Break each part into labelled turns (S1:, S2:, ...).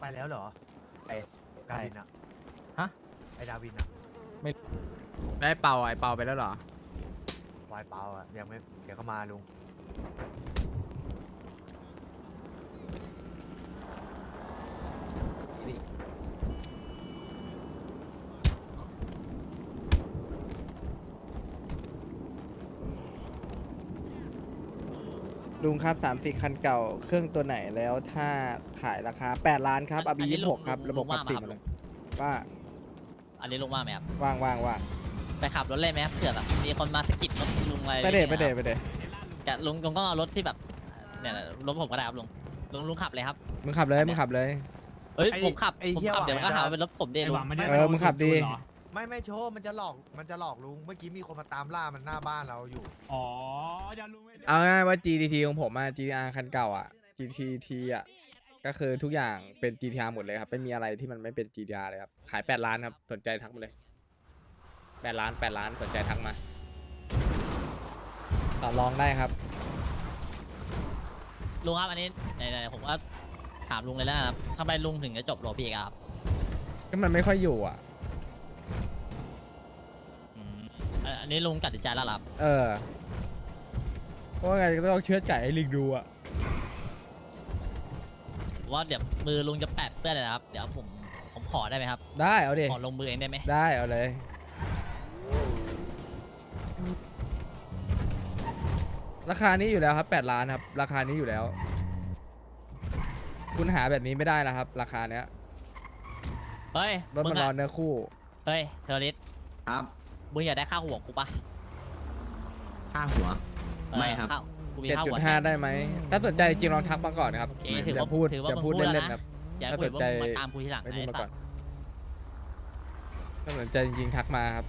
S1: แล้วเหรอไอ้ดาวินอะ
S2: ฮะ
S1: ไอ้ดาวินอะ
S2: ได้เป่าไอเป่าไปแล้วเหรอ
S1: วายเปล่าอะยังไม่เดี๋ยวก็มาลุง
S3: ลุงครับ3-4คันเก่าเครื่องตัวไหนแล้วถ้าขายราคา8 ล้านครับ
S4: อั
S3: RB
S4: นนี้ลุง
S3: 26ครับ
S4: ลุง
S3: ระบบ
S4: ลุง
S3: ขับ
S4: ว่า
S3: สี่
S4: มาครับ
S3: เลยว่า
S4: อันนี้ลุงว่าไหมครับ
S3: ว่างว่างว่าง
S4: ไปขับรถเลยไหมครับเผื่อแบบมีคนมาสะกิดรถลุงอะไร
S3: ไปเดท
S4: อย่าง
S3: ไป
S4: งี้ย
S3: เดท
S4: ครับ
S3: ไปเดท
S4: แต่ลุงก็เอารถที่แบบเนี่ยรถผมก็ได้ครับลุงขับเลยครับ
S3: มึงขับเลยมึงขับเลย
S4: เฮ้ย
S1: ไอ้
S4: ผมขับ
S1: ไอ้
S4: ผม
S1: เหี้ย
S4: ขับเดี๋ยว
S1: หวั
S4: มัน
S1: ง
S4: ก็หา
S1: จะ
S4: ว่าเป็นรถผมเด้ลุง
S3: มึงขับดี
S1: ไม่โชว์มันจะหลอกลุงเมื่อกี้มีคนมาตามล่ามันหน้าบ้านเราอยู่
S5: อ๋ออย่าลุงไม่
S3: เอาง่ายๆว่า GTT ของผมอะ GTR คันเก่าอะ GTT อะก็คือทุกอย่างเป็น GTR หมดเลยครับไม่มีอะไรที่มันไม่เป็น GTR เลยครับขาย8 ล้านครับสนใจทักมาเลย8 ล้าน8 ล้านสนใจทักมาต่อรองได้ครับ
S4: ลุงครับอันนี้ไหนๆผมก็ถามลุงเลยแล้วนะครับทำไมลุงถึงจะจบโรพี่ครับ
S3: ก็มันไม่ค่อยอยู่อะ
S4: อืมอันนี้ลุงตัดสินใจแล้วเหรอครับ
S3: เพราะว่าไงก็ต้องเชื่อใจให้ลิงดูอะ
S4: ว่าเดี๋ยวมือลุงจะแปะเปื้อนเลยนะครับเดี๋ยวผมขอได้ไหมครับ
S3: ได้เอาดิ
S4: ขอลงมือเองได้ไหม
S3: ได้เอาเลย ราคานี้อยู่แล้วครับ8 ล้านครับราคานี้อยู่แล้ว คุณหาแบบนี้ไม่ได้นะครับ ราคาเนี้ย
S4: เฮ้ย
S3: รถ
S4: มึ
S3: มัน
S4: ง
S3: รอ
S4: อะ
S3: เนื้อคู่
S4: เฮ้ยเทอร์ริส
S6: ครับ
S4: มึงอยากได้ค่าหัวกูปะ
S6: ค่าหัว ไม่ครับ
S4: ข้าวกูมีข้าวหัว
S3: 7.5 ได้ไหมถ้าสนใจจริงลองทักมาก่อนนะครับ
S4: โอเค
S3: อ
S4: ถือว่า
S3: ย่าพูด
S4: ถือว่า
S3: อย่า
S4: มึง
S3: พูด
S4: พูดแล้ว
S3: เล่น
S4: นะ
S3: ๆครับ
S4: อย่า
S3: ถ้า
S4: คุ
S3: ส
S4: ย
S3: น
S4: ว่า
S3: ใจ
S4: มึงมาตามกูทีหลัง
S3: ไม่
S4: นะ
S3: พูด
S4: ไอ้
S3: มา
S4: สั
S3: ก่
S4: ต
S3: อน
S4: ว์
S3: ถ้าสนใจจริงๆทักมาครับ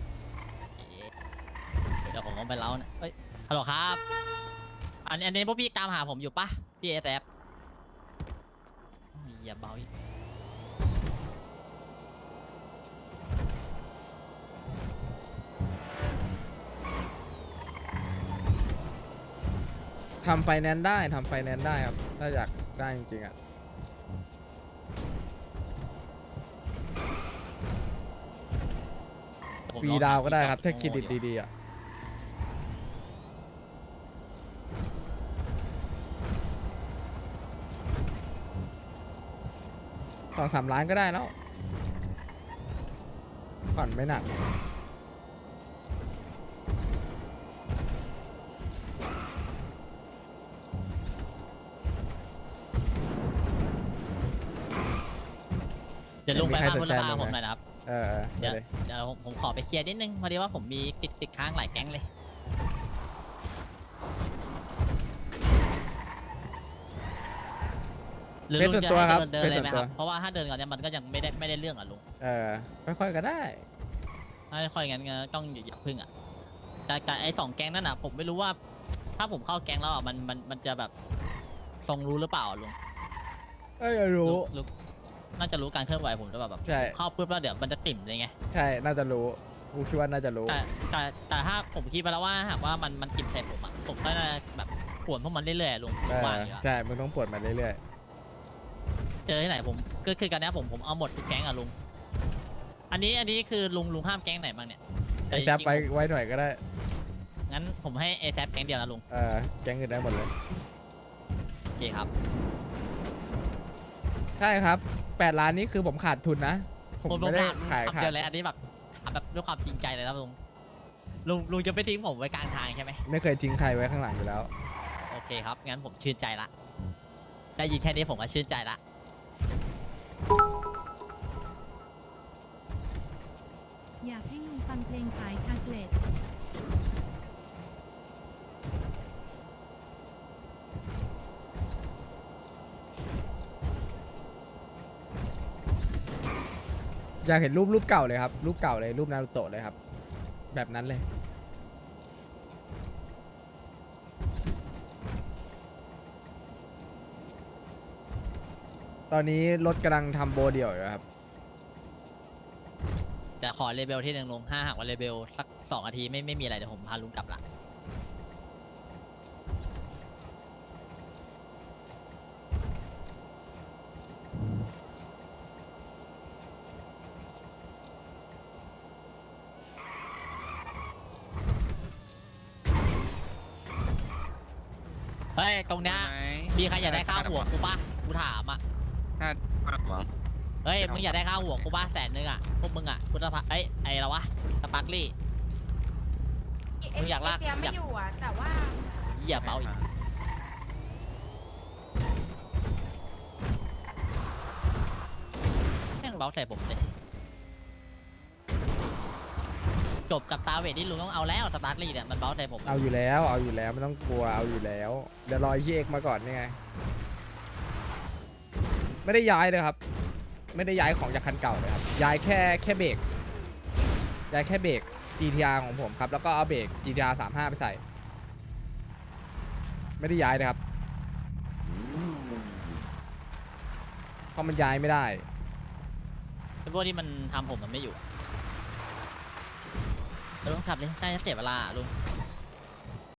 S4: เดี๋ยวผมต้องไปเล้านะเฮ้ยฮัลโหลครับอันนี้พวกพี่ตามหาผมอยู่ปะพี่เอสแอฟอย่าเบาอีก
S3: ทำไฟแนนซ์ได้ทำไฟแนนซ์ได้ครับ ถ้าอยากได้จริงๆอ่ะ
S4: ผม
S3: ฟรี
S4: ลอง
S3: ดาวก็ได้
S4: ห
S3: ครับถ้าเคร
S4: ที่
S3: ดิต
S4: จอด
S3: ดีๆอ่ะ2-3 ล้านก็ได้แล้วผ่อนไม่หนัก
S4: เดี๋ยวลุงไป
S3: มีใคร
S4: บ้าน
S3: ส
S4: พ
S3: น
S4: ล
S3: ใจ
S4: บ้า
S3: มั้ย
S4: ผมหน่อยนะครับ
S3: เออไปเลย
S4: เดี๋ยวผมขอไปเคลียร์นิดนึงพอดีว่าผมมีติดค้างหลายแก๊งเลยหรือลุงจะให้เดินเลยไหมครับเพราะว่าถ้าเดินก่อนเนี่ยมันก็ยังไม่ได้เรื่องอ่ะลุง
S3: ค่อยๆก็ได้
S4: ถ้าค่อยงั้นก็ต้องอย่าพึ่งอ่ะแต่ไอ้2แก๊งนั่นอ่ะผมไม่รู้ว่า ถ้าผมเข้าแก๊งแล้วอ่ะมันจะแบบทรงรู้หรือเปล่าอะลุง
S3: รู้
S4: ลุงน่าจะรู้การเคลื่อนไหวผมหรือเปล่าแบบ
S3: ใช่
S4: เข้าปุ๊บแล้วเดี๋ยวมันจะติ่มเลยไง
S3: ใช่น่าจะรู้กูคิดว่าน่าจะรู้
S4: แต่ถ้าผมคิดไปแล้วว่าหากว่ามันติ่มใส่ผมอ่ะผมก็จะแบบขวนพวกมันเรื่อยๆลุงผมว่าอย่างเงี้ย
S3: ใช่มึงต้องปวดมาเรื่อย
S4: เจอที่ไหนผมก็คือการนี้ผมเอาหมดทุกแก๊งอ่ะลุงอันนี้คือลุงห้ามแก๊งไหนบ้างเนี่ย
S3: ๆไอ้แซปไว้หน่อยก็ได้
S4: งั้นผมให้เอแซแก๊งเดียวนะลุง
S3: แก๊งอื่นได้หมดเลย
S4: โอเคครับ
S3: ใช่ครับ8 ล้านนี้คือผมขาดทุนนะ ผมไม่ได้ขาย
S4: คำเดียวเลยอันนี้แบบถามแบบด้วยความจริงใจเลยนะลุงจะไม่ทิ้งผมไว้กลางทางใช่ไหม
S3: ไม่เคยทิ้งใครไว้ข้างหลังอยู่แล้ว
S4: โอเคครับงั้นผมชื่นใจละได้ยินแค่นี้ผมก็ชื่นใจละ
S7: อยากให้ลุงฟังเพลงขายคาสเลต
S3: อยากเห็นรูปเก่าเลยครับ รูปเก่าเลยรูปนารูโตะเลยครับ แบบนั้นเลย ตอนนี้รถกำลังทำโบเดี่ยวอยู่ครับ
S4: จะขอเลเบลที่หนึ่งลุงถ้าหากว่าเลเบลสัก2 นาทีไม่มีอะไรเดี๋ยวผมพาลุงกลับละเฮ้ยตรงเนี้ยมีใครอยากได้ข้าวหัวกูปะกูถามอ่ะ
S6: ข้าวหัว
S4: เฮ้ยมึงอยากได้ข้าวหัวกูปะ100,000อ่ะพวกมึงอ่ะคุณภาพไอ้ละวะสปาร์คลี่ มึงอยากลาก
S8: เตรียมไม่อยู่อ่ะ แต่ว่า
S4: เหี้ยเบาอีกแม่งเบาใส่ผมเลยจบกับตาเวทที่ลุงต้องเอาแล้วสปาร์คลี่เนี่ยมันเบาใส่ผม
S3: เอาอยู่แล้วไม่ต้องกลัวเอาอยู่แล้วเดี๋ยวรอเฮียเอกมาก่อนนี่ไงไม่ได้ย้ายเลยครับ ไม่ได้ย้ายของจากคันเก่าเลยครับย้ายแค่เบรกย้ายแค่เบรก GTR ของผมครับแล้วก็เอาเบรก GTR 35ไปใส่ไม่ได้ย้ายเลยครับเพราะมันย้ายไม่ได้
S4: เป็นพวกที่มันทำผมมันไม่อยู่ลุงขับเลยน่าจะเสียเวลาลุง